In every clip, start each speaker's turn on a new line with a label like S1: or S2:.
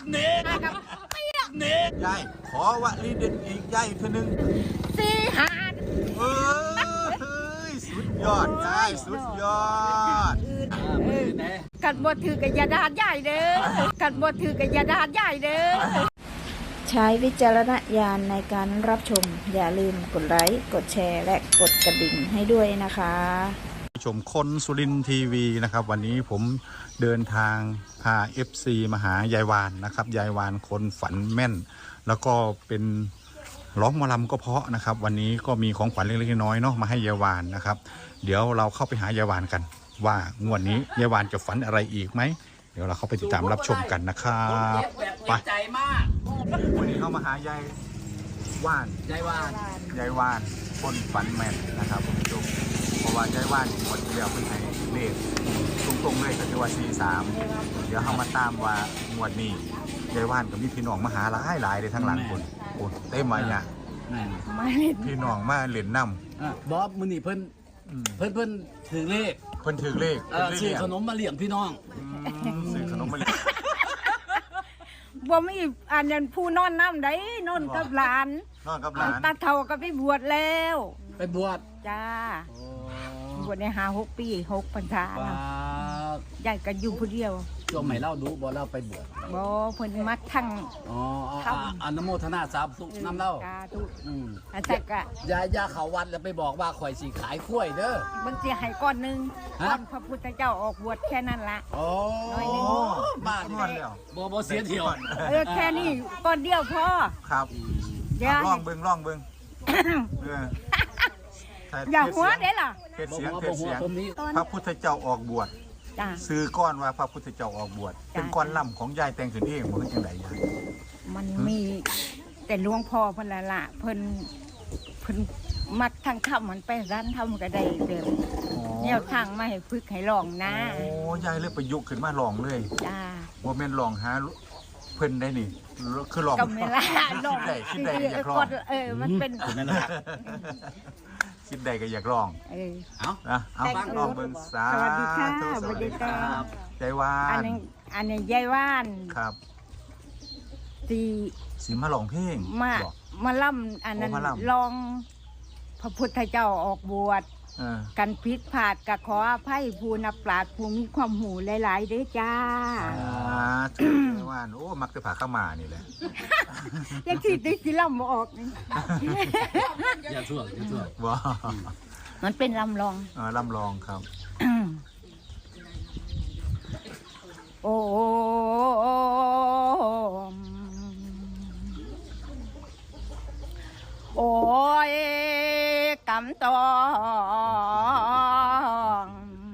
S1: เน็ตเน็ตยายขอวลีเด็ดอีกยายเท่านึง
S2: 4 5
S1: เฮ้ยสุดยอดยายสุดยอด
S2: กันบ่ถือกับยาดาดใหญ่เด้อกันบ่ถือกับยาดาดใหญ่เด้อใช้วิจารณญาณในการรับชมอย่าลืมกดไลค์กดแชร์และกดกระดิ่งให้ด้วยนะคะ
S1: ชมคนสุรินทร์ทีวีนะครับวันนี้ผมเดินทางพา FC มาหายายวานนะครับยายวานคนฝันแม่นแล้วก็เป็นร้องหมอลำก็เพราะนะครับวันนี้ก็มีของขวัญเล็กๆน้อยๆเนาะมาให้ยายวานนะครับเดี๋ยวเราเข้าไปหายายวานกันว่างวดนี้ยายวานจะฝันอะไรอีกไหมเดี๋ยวเราเข้าไปติดตามรับชมกันนะครับไปใจมากวันนี้เข้ามาหายายว่านยายวานคนฝันแม่นนะครับผมชมเพราะว่ายายว่านหมดเดียวเพิ่งให้เลขตรงๆเลยก็คือว่า43เดี๋ยวเข้ามาตามว่างวดนี้ยายว่านกับมีพี่น้องมาหาหลายเลยทั้งหลังคนโอ้เต็มมาเนี่ยพี่น้องมาเล่นน้
S3: ำบอสมือนี่เพิ่นถือเลขซื้อขนมมาเลี้ยงพี่น้อง
S1: ซื้อขนมมาเลี้ยง
S2: บ่มีอันนั้นผู้นอนน้ำได้นอนกับหลานตาเฒ่าก็ไปบวชแล้ว
S3: ไปบวช
S2: จ้าบวชใน6 ปี6 พรรษาแล้วยายก็อยู่ผู้เดียว
S3: ช่วงใหม่เล่าดูบ่เล่าไปบวช
S2: บ่เพิ่นมัดทั้ง
S3: อนุโมทนาสาธุน้ำเล่า
S2: อาจารย์ก็
S3: ยาเขาวัดแล้วไปบอกว่าข่อยสิขายกล้วยเด้อ
S2: มันสิให้ก้อนนึงก้อนพระพุทธเจ้าออกบวชแค่นั้นละ
S3: น้อยนึงบ้านแล้วบ่เสียเที่ยว
S2: แค่นี้ก้อนเดียวพอ
S1: ครับลองเบิ่ง
S2: อย่าหัวเด้ล่ะ
S1: เทศเสียงพระพุทธเจ้าออกบวชซื้อก้อนว่าพระพุทธเจ้าออกบวชเป็นก้อนล่ำของยายแต่งขึ้นเองบ่เป็นจังได๋ยาย
S2: มันมีแต่หลวงพ่อเพิ่นละเพิ่นมักทางธรรมมันไปร้านธรรมก็ได้เด้อแนวทางมาให้ฝึกให้ลองนะ
S1: โอ้ยายเลยประยุกต์ขึ้นมาลองเลย
S2: จ้า
S1: บ่แม่นลองหาเพิ่นได้นี่คือลอง
S2: ก็ไม่ล่ะลอง
S1: คิดได้อยากลอง
S2: มันเป็น
S1: คิดได้ก็อยากลองเอาฟังลองเบิ่งส
S2: วัสดีค่ะสวัสดี
S1: ครับยายวาน
S2: อันนี้ยายวาน
S1: ครับสีมาลองเพลง
S2: มาล่ำอันนั้นลองพระพุทธเจ้าออกบวชกันพิษผาดกับขออภัยผู้นับปราชญ์ผู้มีความหูหลายๆเด้อจ้า
S1: ถูกยายวานโอ้มักจะผ่าเข้ามานี่แหละ
S2: ยังที่ได้สิล่ำมาออกนี่
S3: อย่าช่วง
S1: ว้า
S2: มันเป็นลำล
S1: องครับ
S2: โอ้โอ้ยกำตอง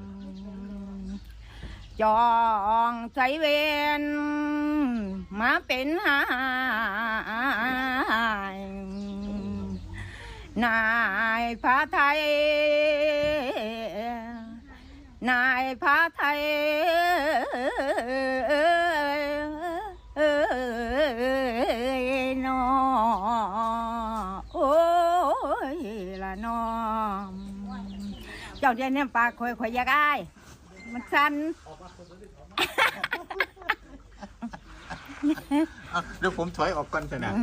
S2: จองใจเวนมาเป็นหายนายพระไทยนายพระไทยนอโอ้ยละนอเจ้าเดียนเนี่ยปากข่อยอยากอายมันสั่น
S1: เดี๋ยวผมถอยออกก่อนเถอะนะ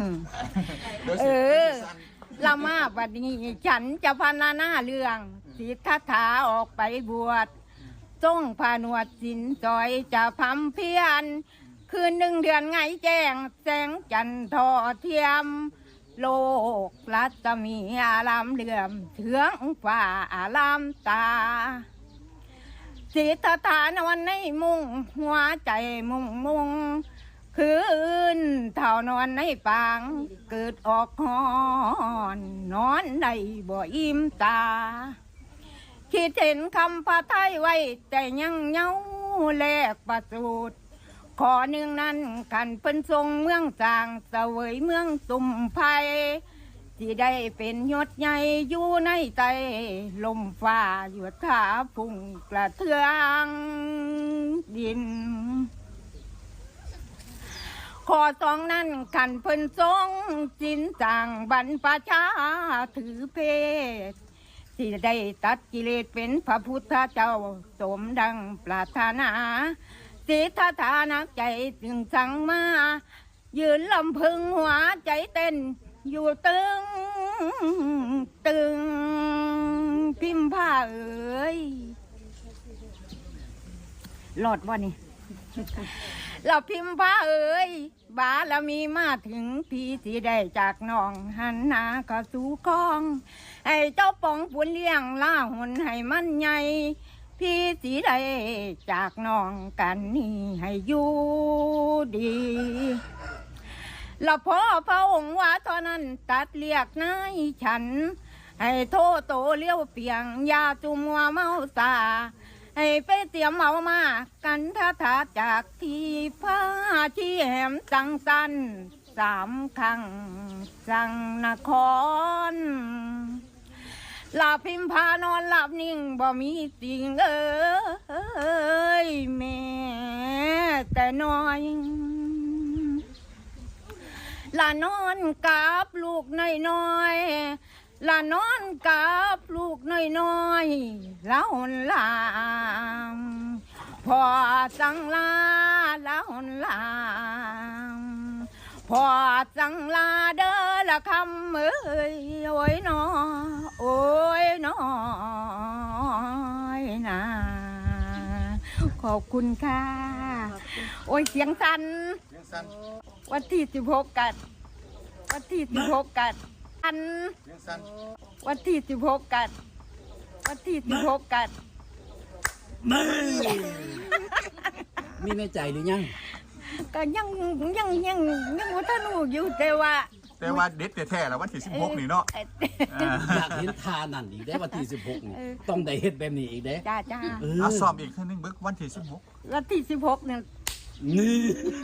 S2: ละมาบัดนี้ฉันจะพรรณนาเรื่องสิทธัตถะออกไปบวชทรงผนวดสินจอยจะพำเพียรคืน1 เดือนไงแจ้งแสงจันทร์ทอเทียมโลกรัศมีอารามเหลื่อมเถืองฟ้าอารามตาสิทธัตถะนอนในมุงหัวใจมุงคืนเท่านอนในปางเกิดออกหอนนอนได้บ่อิ่มตาคิดเห็นคำพระไทยไว้แต่ยังเงาแลกประสูตรขอหนึ่งนั้นกันเป็นทรงเมืองจางเสวยเมืองตุ่มไผ่ที่ได้เป็นยศใหญ่อยู่ในใจลมฟ้าหยวดขาพุ่งกระเทืองดินขอ2นั้นกันเพิ่นทรงจินจางบรรพชาถือเพศที่ได้ตัดกิเลสเป็นพระพุทธเจ้าสมดังปรารถนาสีทาทานักใจจึงสั่งมายืนลำพึงหัวใจเต้นอยู่ตึงตึงพิมพ์ผ้าเอ๋ยหลอดวะนี่ เราพิมพ์ผ้าเอ๋ยบาละมีมาถึงพี่สิได้จากน้องหันหน้าเข้าสู่คลองให้เจ้าปองปุนเลี้ยงล่าหุ่นให้มันใหญ่พี่สิได้จากน้องกันนี่ให้อยู่ดีแล้วพอพระองค์ว่าเท่านั้นตัดเรียกนายฉันให้โทโตเลี้ยวเปียงยาจุมัวเมาสาให้ไปเตรียมเอามากันท่าทาจากที่ผ้าที่แหมจังสัน3 ครั้งจังนครหลับพิมพานอนหลับนิ่งบ่มีสิ่งเอ้ยแม่แต่น้อยละนอนกับลูกน้อยๆละนอนกับลูกน้อยๆละหนลามพอจังลาละหนลามพอจังลาเด้อละคำเอ้ยโอ้ยนอโอ้ยนอยนะขอบคุณค่ะโอ้ยเสียงสั่นวันที่16กันวันที่16กันอันวันที่16กันวันที่16กัน
S3: มีในใจหรือยัง
S2: ก็ยังว่าท่านหูอยู่แต่ว่า
S1: เด็ดแท้ๆแล้ววันที่16นี่เนาะ
S3: อยากเห็นทานั่นอีกได้วันที่16นี่ต้องได้เฮ็ดแบบนี้อีกเด้
S2: จ้า
S1: เอาซ้อมอีกครั้งนึงเบิกวันที่16
S2: วันที่16เนี่ย
S3: นี่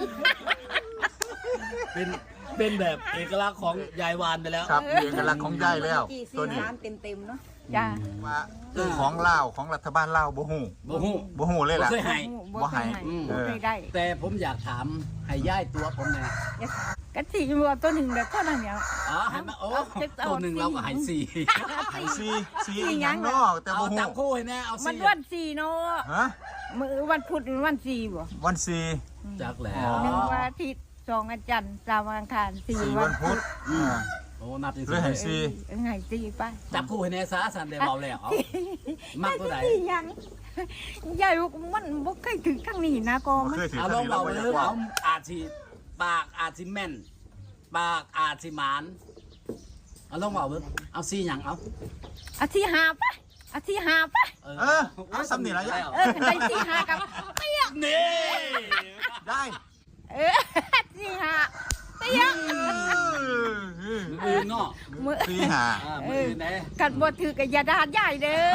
S3: เป็นแบบเอกลักษณ์ของยายวานไปแล้ว
S1: ครับเอกลักษณ์ของยายแล้วตัวนี้
S2: เต็มเนาะจ้า
S1: ว่าของลาวของรัฐบาลลาวบ่ฮู้
S3: บ่ฮู้
S1: บ่ฮู้เลยล่ะ
S3: บ่เคยให้
S1: บ่ให้
S2: บ่เคยได้
S3: แต่ผมอยากถามให้ย่ายตัวผมแน่
S2: กะสิวัวตัวหนึ่งแบบเท่านั้นเนี่ย
S3: อ๋อให้มาโอ้ตัวหนึ่งเราก็ให้4
S1: ให้ซีอีหยังเนาะแต่
S3: เอา
S1: บ่ฮู้
S3: จับคู่ให้แน่เอา
S2: มัน
S3: 4
S2: วัน4เนาะ
S1: ฮะ
S2: มื้อวันพุธวัน4บ่
S1: วันซี
S3: จักแล้ว
S2: 1วันอาทิตย์2วันจันทร์3วันอังคาร
S1: 4
S2: 4
S1: วั
S2: วัน น
S1: พุธ
S3: โอ้นับจริง
S1: เลยให้ซี
S2: ให้4ไป
S3: จับคู่ให้แน่ซะสันได้เบาแล้วเอามักตัวไหน
S2: ยังยายมันบ่เคยถึงข้างนี้นะก็
S1: บ่
S2: มัน
S1: เคยถือ
S3: เอา
S1: ค
S3: ล
S1: รั้
S3: อง ง
S1: นี้เรา
S3: เบา
S1: บ่
S3: เล
S1: อยาย กว่า
S3: เอาอาจสิปากอาจสิแม่นปากอาจสิหมานเอาลองเบาเลยเอา4หยังเอา
S2: อาทิหาปะอาทิหาปะ
S1: เอาซ้ำนี่ล่ะยาย
S2: ได้ที่หากับเปียก
S3: นี่
S1: ได้
S2: ที่หาเปียก
S3: มือเนาะ
S2: มือ
S1: ซีหา
S3: มือไหน
S2: กันบ่ถือกับยาดาใหญ่เด้อ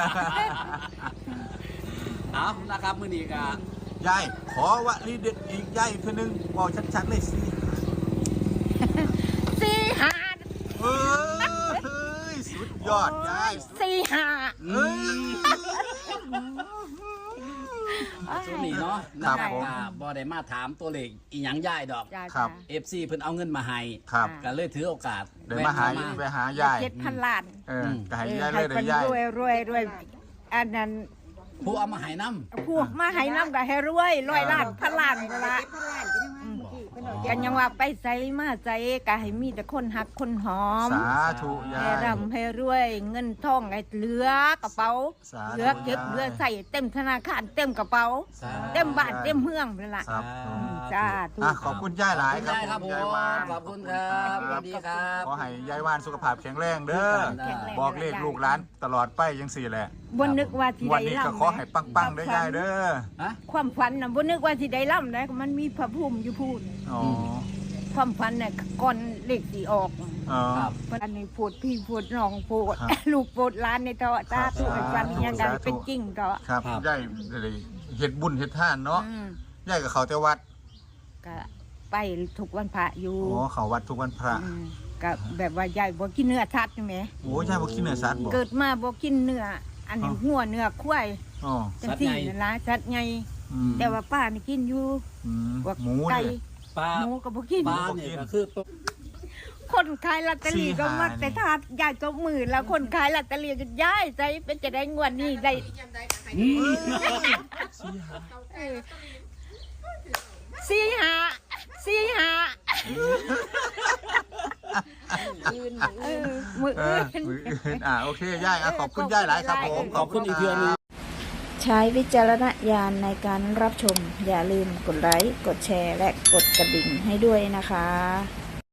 S3: เอานะครับมือนี้ก็
S1: ยายขอวลีเด็ดอีกยายอีกทีนึงบอกชัดๆเลยสิ
S2: สี่หา
S1: เฮ้ยสุดยอดยาย
S2: สี่หา
S1: เฮ้ย
S3: ช่วงนี้เนาะ
S1: ครับ
S3: นะ
S1: ผม
S3: บ่ได้มาถามตัวเลขอีหยังย่ายดอก
S1: ครับ
S3: FC เพิ่นเอาเงินมาให้
S1: ครับ
S3: ก็เลยถือโอกาส
S1: เดี๋ยวมาหา
S3: แวะ
S1: ไปหายาย
S2: 7,000 ล้าน
S1: ก็ให้ยายเลยเดี๋ยวยาย
S2: รวยอันนั้น
S3: ผู้เอามาให้นํ
S2: พวกมาให้น้ำก็ให้รวย100 ล้านพันล้านก็ละกันยังว่าไปใส่มาใส่ก็ให้มีแต่คนหักคนหอม
S1: สาธุยา
S2: ให้
S1: ย
S2: ร่ำให้รวยเงินทองให้เหลือกระเป๋า
S1: สาธุ
S2: เหลือเก็บเหลือใส่เต็มธนาคารเต็มกระเป๋า
S3: สา
S2: เต็มบ้านเต็มเมืองเลยล่ะ
S1: ครับ
S2: จ้าถู
S1: ขอบคุณยายหลายครับ
S3: ได้ครับผม
S1: ยายวาน
S3: ขอบคุณครับสวัสดีครับ
S1: ขอให้ยายวานสุขภาพแข็งแรงเด้อ
S2: แข็งแรง
S1: บอกเลขลูกหลานตลอดไปยังสี่แหละ
S2: บนนึกว่าสิ
S1: วัน
S2: ได้
S1: นี้ก็
S2: ล่ำ
S1: ขอให้ปังๆได้อยายเด้อ
S3: ฮะ
S2: ความฝันน่ะบนนึกว่าสิได้ล่ำได้มันมีพระภูมิอยู่พูด
S1: อ๋อ
S2: ความฝันน่ะก่อนเลขสีออก
S1: อ๋อ
S3: ครับ
S2: อันนี้พูดพี่พูดน้องพูด
S1: ครับ
S2: ลูกพูดร้านในเถาะตา
S1: ครับ
S2: ตัวฝันยังไง
S1: สาธุ
S2: เป็นจริงเถาะ
S1: ครับ
S3: ครับ
S1: ยายเลยเฮ็ดบุญเฮ็ดทานเนาะ
S2: อืม
S1: ยายกับเขาแต่วัด
S2: ก็ไปทุกวันพระอยู่
S1: โอ้เขาวัดทุกวันพระ
S2: อืมก็แบบว่ายายบ่กินเนื้อสัตว์ใช่ไหม
S1: โอ้ยายบ่กินเนื้อสัตว์บ่
S2: เกิดมาบ่กินเนื้ออันนี้หัวเนื้อควาย
S1: อ๋อ
S2: จังซี่นั่นล่ะสัตว์ใหญ่
S1: อืม
S2: แต่ว่าป้านี่กินอยู่
S1: อืม
S2: พวก
S1: หมู
S2: ไก่
S1: เนี่ย
S3: ปลา
S2: หมูก็บ่กิน
S3: ปลาเนี่ยก็คือตัว
S2: คนขายลอตเตอรี่ก็มัก
S1: 4-5
S2: แต่ทาดยายจบมือแล้วคนขายลอตเตอรี่ก็ย้ายใจเป็นจะได้งวดนี้ได้
S3: อืม
S2: เออสี่ห้ามืออื่น
S1: มืออื่นโอเคย่ายขอบคุณย่ายหลายครับผม
S3: ขอบคุณอีกเทื่อนึง
S4: ใช้วิจารณญาณในการรับชม อย่าลืมกดไลค์ กดแชร์ และกดกระดิ่งให้ด้วยนะคะ